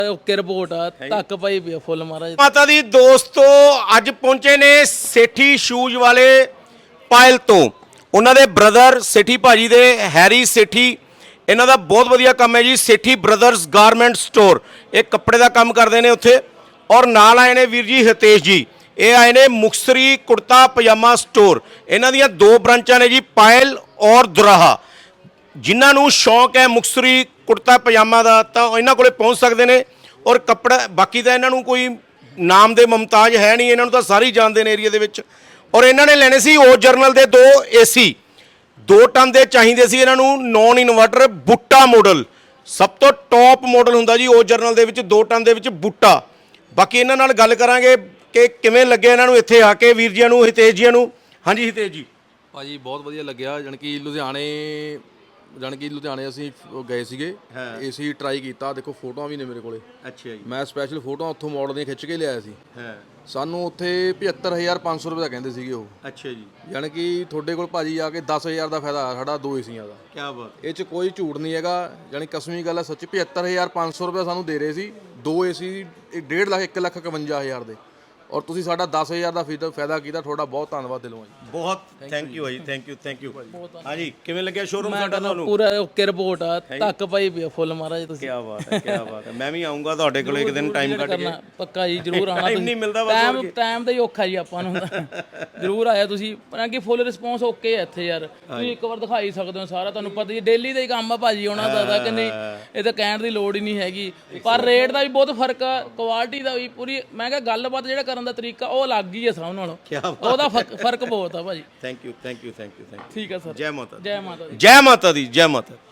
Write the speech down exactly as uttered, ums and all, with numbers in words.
Okay report ਆ ਤੱਕ ਪਾਈ ਪਈ ਫੁੱਲ ਮਹਾਰਾਜ ਮਾਤਾ ਦੀ ਦੋਸਤੋ ਅੱਜ ਪਹੁੰਚੇ ਨੇ ਸੇਠੀ ਸ਼ੂਜ਼ ਵਾਲੇ ਪਾਇਲ ਤੋਂ। ਉਹਨਾਂ ਦੇ ਬ੍ਰਦਰ ਸੇਠੀ ਭਾਜੀ ਦੇ ਹੈਰੀ ਸੇਠੀ, ਇਹਨਾਂ ਦਾ ਬਹੁਤ ਵਧੀਆ ਕੰਮ ਹੈ ਜੀ। ਸੇਠੀ ਬ੍ਰਦਰਸ ਗਾਰਮੈਂਟ ਸਟੋਰ, ਇਹ ਕੱਪੜੇ ਦਾ ਕੰਮ ਕਰਦੇ ਨੇ ਉੱਥੇ। ਔਰ ਨਾਲ ਆਏ ਨੇ ਵੀਰ ਜੀ ਹਿਤੇਸ਼ ਜੀ, ਇਹ ਆਏ ਨੇ ਮੁਕਤਸਰੀ ਕੁੜਤਾ ਪਜਾਮਾ ਸਟੋਰ। ਇਹਨਾਂ ਦੀਆਂ ਦੋ ਬ੍ਰਾਂਚਾਂ ਨੇ ਜੀ, ਪਾਇਲ ਔਰ ਦੁਰਾਹਾ। ਜਿਨ੍ਹਾਂ ਨੂੰ ਸ਼ੌਂਕ ਹੈ ਮੁਕਤਸਰੀ ਕੁੜਤਾ ਪਜਾਮਾ ਦਾ ਤਾਂ ਇਹਨਾਂ ਕੋਲੇ ਪਹੁੰਚ ਸਕਦੇ ਨੇ। ਔਰ ਕੱਪੜਾ ਬਾਕੀ ਤਾਂ ਇਹਨਾਂ ਨੂੰ ਕੋਈ ਨਾਮ ਦੇ ਮੁਮਤਾਜ ਹੈ ਨਹੀਂ, ਇਹਨਾਂ ਨੂੰ ਤਾਂ ਸਾਰੇ ਹੀ ਜਾਣਦੇ ਨੇ ਏਰੀਆ ਦੇ ਵਿੱਚ। ਔਰ ਇਹਨਾਂ ਨੇ ਲੈਣੇ ਸੀ ਓ ਜਰਨਲ ਦੇ ਦੋ ਏਸੀ, ਦੋ ਟਨ ਦੇ ਚਾਹੀਦੇ ਸੀ ਇਹਨਾਂ ਨੂੰ, ਨੌਨ ਇਨਵਰਟਰ ਬੂਟਾ ਮਾਡਲ, ਸਭ ਤੋਂ ਟੌਪ ਮਾਡਲ ਹੁੰਦਾ ਜੀ ਓ ਜਰਨਲ ਦੇ ਵਿੱਚ, ਦੋ ਟਨ ਦੇ ਵਿੱਚ ਬੂਟਾ। ਬਾਕੀ ਇਹਨਾਂ ਨਾਲ ਗੱਲ ਕਰਾਂਗੇ ਕਿ ਕਿਵੇਂ ਲੱਗਿਆ ਇਹਨਾਂ ਨੂੰ ਇੱਥੇ ਆ ਕੇ, ਵੀਰ ਜੀਆਂ ਨੂੰ, ਹਿਤੇਸ਼ ਜੀਆਂ ਨੂੰ। ਹਾਂਜੀ ਹਿਤੇਸ਼ ਜੀ। ਭਾਜੀ ਬਹੁਤ ਵਧੀਆ ਲੱਗਿਆ। ਜਾਣੀ ਕਿ ਲੁਧਿਆਣੇ ਜਾਣੀ ਕਿ ਲੁਧਿਆਣੇ ਅਸੀਂ ਗਏ ਸੀਗੇ, ਏਸੀ ਟਰਾਈ ਕੀਤਾ। ਦੇਖੋ ਫੋਟੋਆਂ ਵੀ ਨੇ ਮੇਰੇ ਕੋਲੇ। ਅੱਛਾ ਜੀ। ਮੈਂ ਸਪੈਸ਼ਲ ਫੋਟੋਆਂ ਉੱਥੋਂ ਮਾਡਲ ਦੀਆਂ ਖਿੱਚ ਕੇ ਲਿਆਇਆ ਸੀ। ਸਾਨੂੰ ਉੱਥੇ ਪਝੱਤਰ ਹਜ਼ਾਰ ਪੰਜ ਸੌ ਰੁਪਏ ਦਾ ਕਹਿੰਦੇ ਸੀਗੇ ਉਹ। ਅੱਛਾ ਜੀ। ਜਾਣੀ ਕਿ ਤੁਹਾਡੇ ਕੋਲ ਭਾਜੀ ਆ ਕੇ ਦਸ ਹਜ਼ਾਰ ਦਾ ਫਾਇਦਾ ਆ ਸਾਡਾ ਦੋ ਏਸੀਆਂ ਦਾ। ਕੀ ਬਾਤ। ਇਹ 'ਚ ਕੋਈ ਝੂਠ ਨਹੀਂ ਹੈਗਾ, ਜਾਣੀ ਕਸਮੀ ਗੱਲ ਹੈ ਸੱਚੀ। ਪਝੱਤਰ ਹਜ਼ਾਰ ਪੰਜ ਸੌ ਰੁਪਏ ਸਾਨੂੰ ਦੇ ਰਹੇ ਸੀ, ਦੋ ਏਸੀ ਡੇਢ ਲੱਖ ਇੱਕ ਲੱਖ ਇਕਵੰਜਾ ਹਜ਼ਾਰ ਦੇ। ਔਰ ਤੁਸੀਂ ਸਾਡਾ ਦਸ ਹਜ਼ਾਰ ਦਾ ਫਾਇਦਾ ਕੀਤਾ, ਤੁਹਾਡਾ ਬਹੁਤ ਧੰਨਵਾਦ ਦਿਲੋਂ ਜੀ। ਬਹੁਤ ਥੈਂਕ ਯੂ ਜੀ, ਥੈਂਕ ਯੂ ਥੈਂਕ ਯੂ। ਹਾਂਜੀ ਕਿਵੇਂ ਲੱਗਿਆ ਸ਼ੋਰੂਮ ਮੈਂ ਸਾਡਾ ਕਹਿੰਦਾ ਤੁਹਾਨੂੰ? ਪੂਰਾ ਓਕੇ ਰਿਪੋਰਟ ਆ ਤੱਕ ਪਾਈ ਪਈ ਫੁੱਲ ਮਹਾਰਾਜ ਤੁਸੀਂ। ਕੀ ਬਾਤ ਹੈ, ਕੀ ਬਾਤ ਹੈ। ਮੈਂ ਵੀ ਆਉਂਗਾ ਤੁਹਾਡੇ ਕੋਲ ਇੱਕ ਦਿਨ ਟਾਈਮ ਕੱਢ ਕੇ। ਕਰਨਾ ਪੱਕਾ ਜੀ, ਜ਼ਰੂਰ ਆਉਣਾ Time ਨਹੀਂ ਮਿਲਦਾ ਬਸ, ਟਾਈਮ ਟਾਈਮ ਦਾ ਹੀ ਔਖਾ ਜੀ ਆਪਾਂ ਨੂੰ। ਜ਼ਰੂਰ ਆਇਆ ਤੁਸੀਂ, ਪਰ ਕਿ ਫੁੱਲ ਰਿਸਪੌਂਸ ਓਕੇ ਹੈ ਇੱਥੇ ਯਾਰ। ਤੁਸੀਂ ਇੱਕ ਵਾਰ ਦਿਖਾਈ ਸਕਦੇ ਹੋ ਸਾਰਾ, ਤੁਹਾਨੂੰ ਪਤਾ ਜੀ ਡੇਲੀ ਦਾ ਹੀ ਕੰਮ ਆ ਭਾਜੀ ਉਹਨਾਂ ਦਾ ਤਾਂ, ਕਿ ਨਹੀਂ ਇਹ ਤਾਂ ਕਹਿਣ ਦੀ ਲੋੜ ਹੀ ਨਹੀਂ ਹੈਗੀ। ਪਰ ਰੇਟ ਦਾ ਵੀ ਬਹੁਤ ਫਰਕ ਆ, ਕੁਆਲਿਟੀ ਦਾ ਵੀ ਪੂਰੀ। ਮੈਂ ਕਿਹਾ ਗੱਲਬਾਤ ਜਿਹੜਾ ਕਰਨ ਦਾ ਤਰੀਕਾ ਉਹ ਅਲੱਗ ਹੀ ਹੈ ਸਭ ਨਾਲੋਂ, ਉਹਦਾ ਫਰਕ ਬਹੁਤ ਆ ਭਾਜੀ। Thank you thank you thank you thank you. ਠੀਕ ਹੈ ਸਰ। ਜੈ ਮਾਤਾ ਦੀ। ਜੈ ਮਾਤਾ ਦੀ। ਜੈ ਮਾਤਾ ਦੀ, ਜੈ ਮਾਤਾ।